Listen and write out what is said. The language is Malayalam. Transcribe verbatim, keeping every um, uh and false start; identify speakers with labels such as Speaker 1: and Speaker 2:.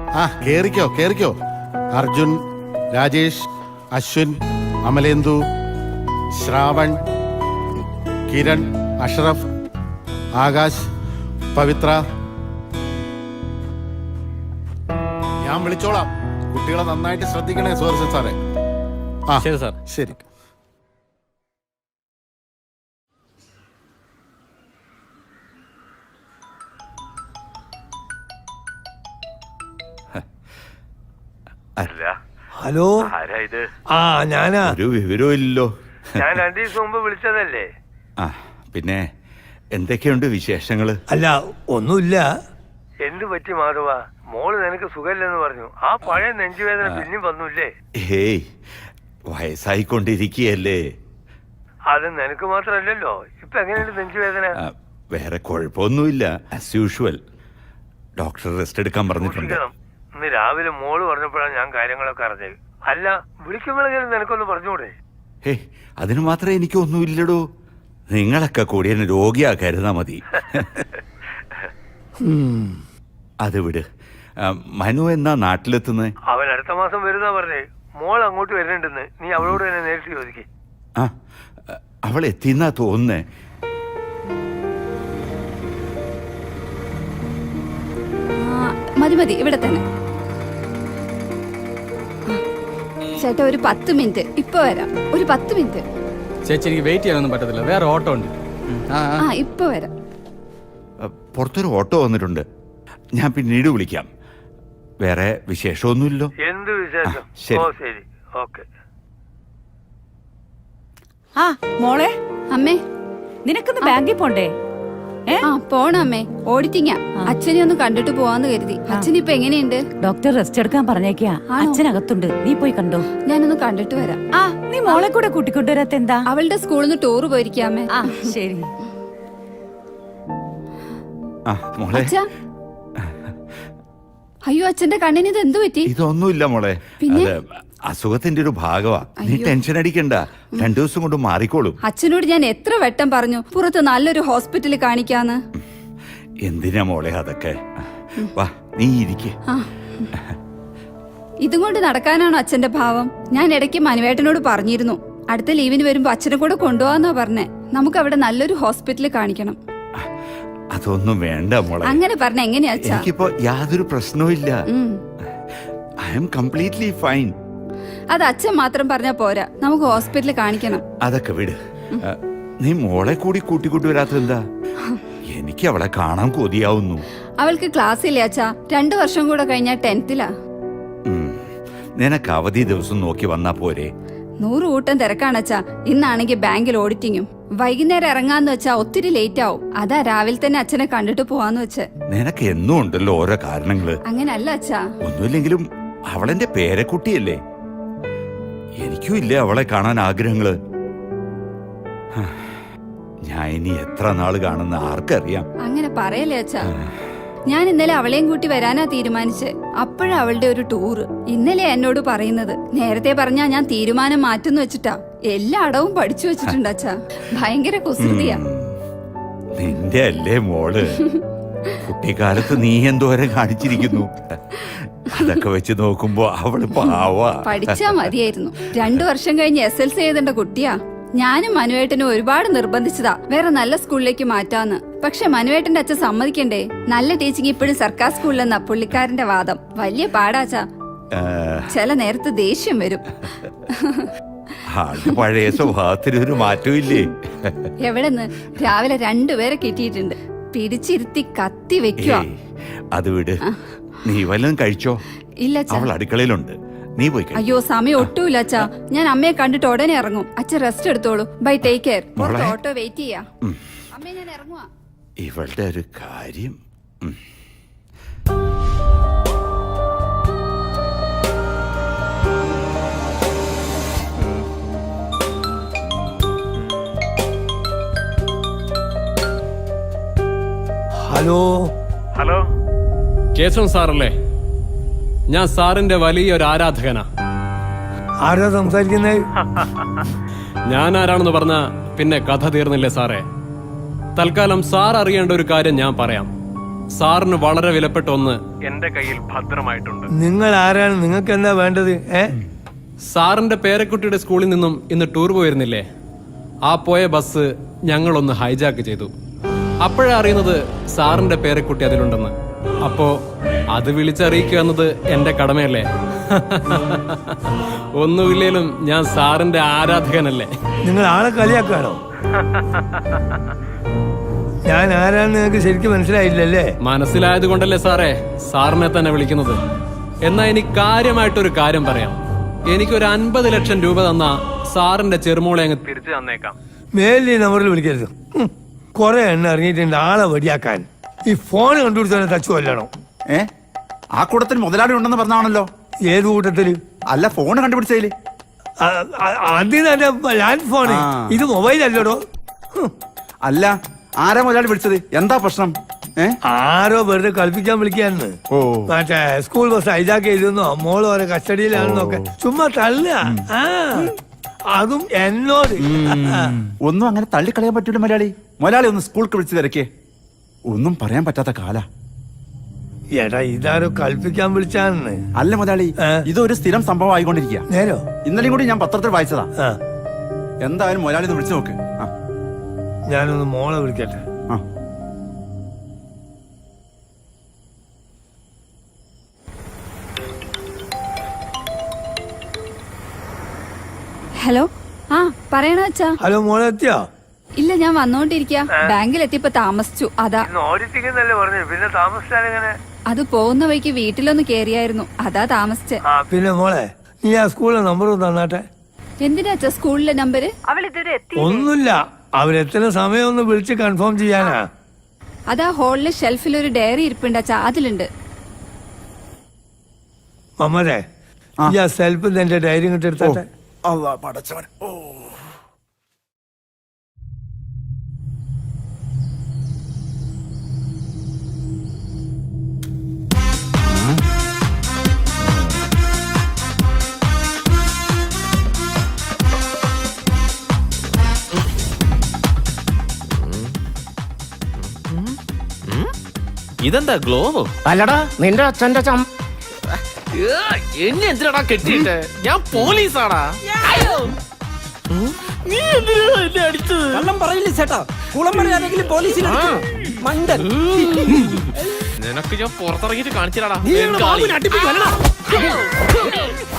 Speaker 1: ആ കേറിക്കോ കേറിക്കോ. അർജുൻ, രാജേഷ്, അശ്വിൻ, അമലേന്ദു, ശ്രാവൺ, കിരൺ, അഷ്റഫ്, ആകാശ്, പവിത്ര. ഞാൻ വിളിച്ചോളാം. കുട്ടികളെ നന്നായിട്ട് ശ്രദ്ധിക്കണേ സുഹൃത്ത് സാറേ. ആ
Speaker 2: ശരി സാർ.
Speaker 1: ശരി.
Speaker 3: ഹലോ, ആ ഞാനാ.
Speaker 4: ഒരു വിവരവും ഇല്ലല്ലോ.
Speaker 5: ഞാൻ രണ്ടു ദിവസം മുമ്പ് വിളിച്ചതല്ലേ?
Speaker 4: ആ പിന്നെ എന്തൊക്കെയുണ്ട് വിശേഷങ്ങള്?
Speaker 3: അല്ല, ഒന്നുമില്ല.
Speaker 5: എന്ത് പറ്റി മാധവ? മോള് നിനക്ക് സുഖമില്ലെന്ന് പറഞ്ഞു. ആ പഴയ നെഞ്ചുവേദന പിന്നെയും വന്നൂല്ലേ?
Speaker 4: ഹേയ്, വയസ്സായിക്കൊണ്ടിരിക്കുകയല്ലേ.
Speaker 5: അത് നിനക്ക് മാത്രമല്ലല്ലോ. ഇപ്പൊ എങ്ങനെയുണ്ട് നെഞ്ചുവേദന?
Speaker 4: വേറെ കുഴപ്പമൊന്നുമില്ല. As usual. ഡോക്ടർ റെസ്റ്റ് എടുക്കാൻ പറഞ്ഞിട്ടുണ്ട്.
Speaker 5: ഇന്ന് രാവിലെ മോള് പറഞ്ഞപ്പോഴാണ് ഞാൻ കാര്യങ്ങളൊക്കെ അറിഞ്ഞത്. അല്ല, വിളിക്കുമ്പോഴെങ്കിലും നിനക്കൊന്ന് പറഞ്ഞൂടെ?
Speaker 4: ഹേ, അതിന് മാത്രമേ എനിക്കൊന്നുമില്ലടോ. നിങ്ങളൊക്കെ കൂടി എന്നെ രോഗിയാക്കരുതാ മതി. അത് വിട്. മനു എന്നാ നാട്ടിലെത്തുന്നത്?
Speaker 5: അവൻ അടുത്ത മാസം വരുന്നാ പറഞ്ഞേ. മോൾ അങ്ങോട്ട് വരുന്നുണ്ടെന്ന്. നീ അവളോട് തന്നെ നേരിട്ട് ചോദിക്കേ.
Speaker 4: ആ, അവൾ എത്തിന്നാ തോന്നുന്നേ.
Speaker 6: മതി മതി, ഇവിടെ തന്നെ. ചേട്ടാ, ഒരു പത്ത് മിനിറ്റ്. ഇപ്പൊ വരാം. ഒരു പത്ത് മിനിറ്റ്.
Speaker 2: ചേച്ചി, എനിക്ക് വെയിറ്റ് ചെയ്യാനൊന്നും പറ്റത്തില്ല. വേറെ ഓട്ടോ ഉണ്ട്.
Speaker 6: ആ, ഇപ്പൊ വരാം.
Speaker 4: പുറത്തൊരു ഓട്ടോ വന്നിട്ടുണ്ട്. ഞാൻ പിന്നീട് വിളിക്കാം. വേറെ വിശേഷമൊന്നുമില്ലോ.
Speaker 5: എന്ത് വിശേഷം?
Speaker 4: ശരി.
Speaker 5: ഓ ശരി, ഓക്കെ.
Speaker 7: ആ മോളെ,
Speaker 6: അമ്മേ,
Speaker 7: നിനക്കൊന്ന് ബാങ്കിൽ പോണ്ടേ?
Speaker 6: ആ പോണം അമ്മേ. ഓഡിറ്റിങ്ങാ. അച്ഛനെ ഒന്ന് കണ്ടിട്ട് പോവാന്ന് കരുതി. അച്ഛൻ ഇപ്പൊ എങ്ങനെയുണ്ട്?
Speaker 7: ഡോക്ടർ റെസ്റ്റ് എടുക്കാൻ പറഞ്ഞേക്കാ. അച്ഛനകത്തുണ്ട്, നീ പോയി കണ്ടോ.
Speaker 6: ഞാനൊന്ന് കണ്ടിട്ട് വരാം.
Speaker 7: ആ, നീ മോളെ കൂടെ കൂട്ടിക്കൊണ്ടുവരാത്ത എന്താ?
Speaker 6: അവളുടെ സ്കൂളിൽ നിന്ന് ടൂർ പോയിരിക്കാമേ.
Speaker 7: ആ ശരി.
Speaker 6: അച്ഛാ, അയ്യോ, അച്ഛന്റെ കണ്ണിന് ഇത് എന്ത് പറ്റി?
Speaker 4: ഇതൊന്നുമില്ല മോളെ. അത് അസുഖത്തിന്റെ ഒരു ഭാഗമാ. നീ ടെൻഷൻ അടിക്കണ്ട. രണ്ടു ദിവസം കൊണ്ട് മാറിക്കോളും.
Speaker 6: അച്ഛനോട് ഞാൻ എത്ര വട്ടം പറഞ്ഞു പുറത്ത് നല്ലൊരു ഹോസ്പിറ്റലിൽ കാണിക്കാന്ന്.
Speaker 4: എന്തിനാ മോളെ അതൊക്കെ? വാ, നീ ഇരിക്കേ.
Speaker 6: ഇതും കൊണ്ട് നടക്കാനാണോ അച്ഛന്റെ ഭാവം? ഞാൻ ഇടയ്ക്ക് മനുവേട്ടനോട് പറഞ്ഞിരുന്നു, അടുത്ത ലീവിന് വരുമ്പോ അച്ഛനെ കൂടെ കൊണ്ടുപോവാന്നാ പറഞ്ഞേ. നമുക്ക് അവിടെ നല്ലൊരു ഹോസ്പിറ്റലിൽ കാണിക്കണം.
Speaker 4: അതൊന്നും വേണ്ട മോളെ.
Speaker 6: അങ്ങനെ പറഞ്ഞ എങ്ങനെയാ അച്ഛാ?
Speaker 4: എനിക്കിപ്പോ യാതൊരു പ്രശ്നവും ഇല്ല. I am completely fine.
Speaker 6: അത് അച്ഛൻ മാത്രം പറഞ്ഞാ പോരാ, നമുക്ക് ഹോസ്പിറ്റലിൽ കാണിക്കണം.
Speaker 4: അതൊക്കെ വിട്. നീ മോളെ കൂടി കൂട്ടിക്കൂട്ടി വരാത്തെന്താ? എനിക്ക് അവളെ കാണാൻ കൊതിയാവുന്നു.
Speaker 6: അവൾക്ക് ക്ലാസ് ഇല്ലേ അച്ഛാ? രണ്ടു വർഷം കൂടെ കഴിഞ്ഞാ ടെൻത്തിലാ.
Speaker 4: നിനക്ക് അവധി ദിവസം നോക്കി വന്നാ പോരെ?
Speaker 6: നൂറ് കൂട്ടം തിരക്കാണച്ചാ. ഇന്നാണെങ്കിൽ ബാങ്കിൽ ഓഡിറ്റിങ്ങും. വൈകുന്നേരം ഇറങ്ങാന്ന് വെച്ചാ ഒത്തിരി ലേറ്റ് ആവും. അതാ രാവിലെ തന്നെ അച്ഛനെ കണ്ടിട്ട് പോവാന്ന് വെച്ച്.
Speaker 4: നിനക്ക് എന്നും ഉണ്ടല്ലോ ഓരോ കാരണങ്ങള്.
Speaker 6: അങ്ങനല്ല അച്ഛാ.
Speaker 4: ഒന്നുമില്ലെങ്കിലും അവളെന്റെ പേരക്കുട്ടിയല്ലേ. എനിക്കും ഇല്ലേ അവളെ കാണാൻ ആഗ്രഹങ്ങള്. ഞാൻ ഇനി എത്ര നാള് കാണുന്ന ആർക്കറിയാം.
Speaker 6: അങ്ങനെ പറയല്ലേ അച്ഛാ. ഞാൻ ഇന്നലെ അവളെയും കൂട്ടി വരാനാ തീരുമാനിച്ച്. അപ്പോഴാ അവളുടെ ഒരു ടൂറ്. ഇന്നലെ എന്നോട് പറയുന്നത്. നേരത്തെ പറഞ്ഞാ ഞാൻ തീരുമാനം മാറ്റുന്നു വെച്ചിട്ടാ. എല്ലാ അടവും പഠിച്ചു വെച്ചിട്ടുണ്ട് അച്ഛാ. ഭയങ്കര കുസൃതിയാ.
Speaker 4: നിന്റെ അല്ലേ മോള്? കുട്ടിക്കാലത്ത് നീ എന്തോരം കാണിച്ചിരിക്കുന്നു. അതൊക്കെ വെച്ച് നോക്കുമ്പോ അവള് പാവാ.
Speaker 6: പഠിച്ചാ മതിയായിരുന്നു. രണ്ടു വർഷം കഴിഞ്ഞ് എസ് എൽ സി എഴുതേണ്ട കുട്ടിയാ. ഞാനും മനുവേട്ടനും ഒരുപാട് നിർബന്ധിച്ചതാ വേറെ നല്ല സ്കൂളിലേക്ക് മാറ്റാന്ന്. പക്ഷെ മനുവേട്ടന്റെ അച്ഛൻ സമ്മതിക്കണ്ടേ. നല്ല ടീച്ചിങ് ഇപ്പോഴും സർക്കാർ സ്കൂളിലെന്നാ പുള്ളിക്കാരന്റെ വാദം. വലിയ പാടാച്ചാ. ചില നേരത്ത് ദേഷ്യം വരും.
Speaker 4: പഴയ സ്വഭാവത്തിന് ഒരു മാറ്റവും ഇല്ലേ?
Speaker 6: എവിടെന്ന് രാവിലെ രണ്ടുപേരെ കിട്ടിയിട്ടുണ്ട്. പിടിച്ചിരുത്തി കത്തി വെക്കുവാ.
Speaker 4: അത് വിട്. നീ വല്ലതും കഴിച്ചോ?
Speaker 6: ഇല്ല,
Speaker 4: അവൾ അടുക്കളയിലുണ്ട്. നീ പോയി.
Speaker 6: അയ്യോ, സമയം ഒട്ടുമില്ല അച്ഛാ. ഞാൻ അമ്മയെ കണ്ടിട്ട് ഉടനെ ഇറങ്ങും. അച്ഛൻ റെസ്റ്റ് എടുത്തോളൂ. Bye, take care. Auto wait ചെയ്യാ. അമ്മേ, ഞാൻ ഇറങ്ങുവാ.
Speaker 4: ഇവളുടെ ഒരു കാര്യം.
Speaker 3: ഹലോ
Speaker 5: ഹലോ,
Speaker 2: കേശവൻ സാറല്ലേ? ഞാൻ സാറിന്റെ വലിയൊരു ആരാധകനാ.
Speaker 3: ആരാ സംസാരിക്കുന്നത്?
Speaker 2: ഞാൻ ആരാണെന്ന് പറഞ്ഞ പിന്നെ കഥ തീർന്നില്ലേ സാറേ? തൽക്കാലം സാർ അറിയേണ്ട ഒരു കാര്യം ഞാൻ പറയാം. സാറിന് വളരെ വിലപ്പെട്ട ഒന്ന് എന്റെ കയ്യിൽ ഭദ്രമായിട്ടുണ്ട്.
Speaker 3: നിങ്ങൾ ആരാണ്? നിങ്ങൾക്ക് എന്താ വേണ്ടത്? ഏ
Speaker 2: സാറിന്റെ പേരക്കുട്ടിയുടെ സ്കൂളിൽ നിന്നും ഇന്ന് ടൂർ പോയിരുന്നില്ലേ? ആ പോയ ബസ് ഞങ്ങളൊന്ന് ഹൈജാക്ക് ചെയ്തു. അപ്പോഴാ അറിയുന്നത് സാറിന്റെ പേരക്കുട്ടി അതിലുണ്ടെന്ന്. അപ്പോ അത് വിളിച്ചറിയിക്കുക എന്നത് എന്റെ കടമയല്ലേ? ഒന്നുമില്ലേലും ഞാൻ സാറിന്റെ ആരാധകനല്ലേ?
Speaker 3: നിങ്ങൾ ആളെ കളിയാക്കാണോ? ഞാൻ ആരാന്ന് നിങ്ങൾക്ക് ശരിക്കും മനസ്സിലായില്ലല്ലേ?
Speaker 2: മനസ്സിലായത് കൊണ്ടല്ലേ സാറേ സാറിനെ തന്നെ വിളിക്കുന്നത്. എന്നാ എനിക്ക് കാര്യമായിട്ടൊരു കാര്യം പറയാം. എനിക്കൊരു അൻപത് ലക്ഷം രൂപ തന്ന സാറിന്റെ ചെറുമോളെ അങ്ങ് തിരിച്ചു തന്നേക്കാം.
Speaker 3: മേലി നമ്പറിൽ വിളിക്കരുത്. കൊറേ എണ്ണ ഇറങ്ങിയിട്ടുണ്ട് ആളെ വടിയാക്കാൻ. ഈ ഫോൺ കണ്ടുപിടിച്ചാൽ തച്ചു കൊല്ലണം.
Speaker 4: ഏ ആ കൂട്ടത്തിൽ മുതലാളി ഉണ്ടെന്ന് പറഞ്ഞാണല്ലോ.
Speaker 3: ഏത് കൂട്ടത്തില്?
Speaker 4: അല്ല, ഫോൺ കണ്ടുപിടിച്ചതില്.
Speaker 3: അതിന് ലാൻഡ് ഫോണ്.
Speaker 4: ആ.
Speaker 3: ഇത് മൊബൈൽ അല്ലടോ.
Speaker 4: അല്ല, ആരാ മുതലാളി വിളിച്ചത്? എന്താ പ്രശ്നം? ഏ
Speaker 3: ആരോ വെറുതെ കളിപ്പിക്കാൻ വിളിക്കാന്ന്.
Speaker 4: ഓ.
Speaker 3: മറ്റേ സ്കൂൾ ബസ് ഹൈജാക്ക് ചെയ്തെന്നോ മോള് ഓരോ കസ്റ്റഡിയിലാണെന്നൊക്കെ ചുമ്മാ തള്ളുക. ആ അതും എന്നോട്.
Speaker 4: ഒന്നും അങ്ങനെ തള്ളിക്കളയാൻ പറ്റൂല മുതലാളി. മുതലാളി ഒന്ന് സ്കൂൾക്ക് വിളിച്ചു തിരക്കേ. ഒന്നും പറയാൻ പറ്റാത്ത കാല.
Speaker 3: എടാ ഇതാരോ കളിപ്പിക്കാൻ വിളിച്ചാന്ന്.
Speaker 4: അല്ല മുതലാളി,
Speaker 3: ഏ?
Speaker 4: ഇതൊരു സ്ഥിരം സംഭവം ആയിക്കൊണ്ടിരിക്കുക.
Speaker 3: നേരോ?
Speaker 4: ഇന്നലെയും കൂടി ഞാൻ പത്രത്തിൽ വായിച്ചതാ.
Speaker 3: ആ
Speaker 4: എന്തായാലും മുതലാളി ഒന്ന് വിളിച്ചു നോക്ക്. ആ
Speaker 3: ഞാനൊന്ന് മോളെ വിളിക്കട്ടെ.
Speaker 4: ആ
Speaker 6: ഹലോ. ആ പറയണ അച്ഛാ.
Speaker 3: ഹലോ മോളെ എത്തിയോ?
Speaker 6: ഇല്ല, ഞാൻ വന്നോണ്ടിരിക്കാ. ബാങ്കിൽ എത്തിയപ്പോ താമസിച്ചു. അതാ.
Speaker 5: ഇന്ന് ഓടിച്ചിരിക്കുന്നല്ലേ പറഞ്ഞു, പിന്നെ താമസിച്ചാലെങ്ങനെ?
Speaker 6: അത് പോകുന്ന വഴിക്ക് വീട്ടിലൊന്ന് കേറിയായിരുന്നു. അതാ താമസിച്ചെ.
Speaker 5: ആ
Speaker 3: പിന്നെ മോളെ നീ ആ സ്കൂളിലെ നമ്പർ തന്നാട്ടെ.
Speaker 6: എന്തിനാ അച്ഛാ സ്കൂളിലെ നമ്പര്?
Speaker 3: ഒന്നുമില്ല, അവരെത്തുന്ന സമയം ഒന്ന് വിളിച്ച് കൺഫേം ചെയ്യാനാ.
Speaker 6: അതാ ഹോളിലെ ഷെൽഫിൽ ഒരു ഡയറി ഇരിപ്പുണ്ട് അച്ഛാ, അതിലുണ്ട്.
Speaker 3: മമ്മരെ ഈ ആ സെൽഫ് എന്റെ ഡയറി ഇങ്ങോട്ട് എടുത്താട്ടെ.
Speaker 4: അള്ളാ പടച്ചവൻ. ഓ
Speaker 8: ഇതെന്താ ഗ്ലോവോ?
Speaker 9: അല്ലടാ നിന്റെ അച്ഛന്റെ ചം
Speaker 8: എന്നെ എന്തിനാടാ കെട്ടിയിട്ട്? ഞാൻ പോലീസാടാ. നീ എന്തിനാ എന്നെ അടിച്ചത്?
Speaker 9: കള്ളം പറയില്ല ചേട്ടാ. കുളം പറയാനെങ്കിലും പോലീസിൽ മണ്ടൻ.
Speaker 8: നിനക്ക് ഞാൻ പുറത്തിറങ്ങിട്ട് കാണിച്ചിടാടാ.
Speaker 9: നീ ഞങ്ങളുടെ ബാബുവിനെ അടിപ്പിക്കും, അല്ലടാ?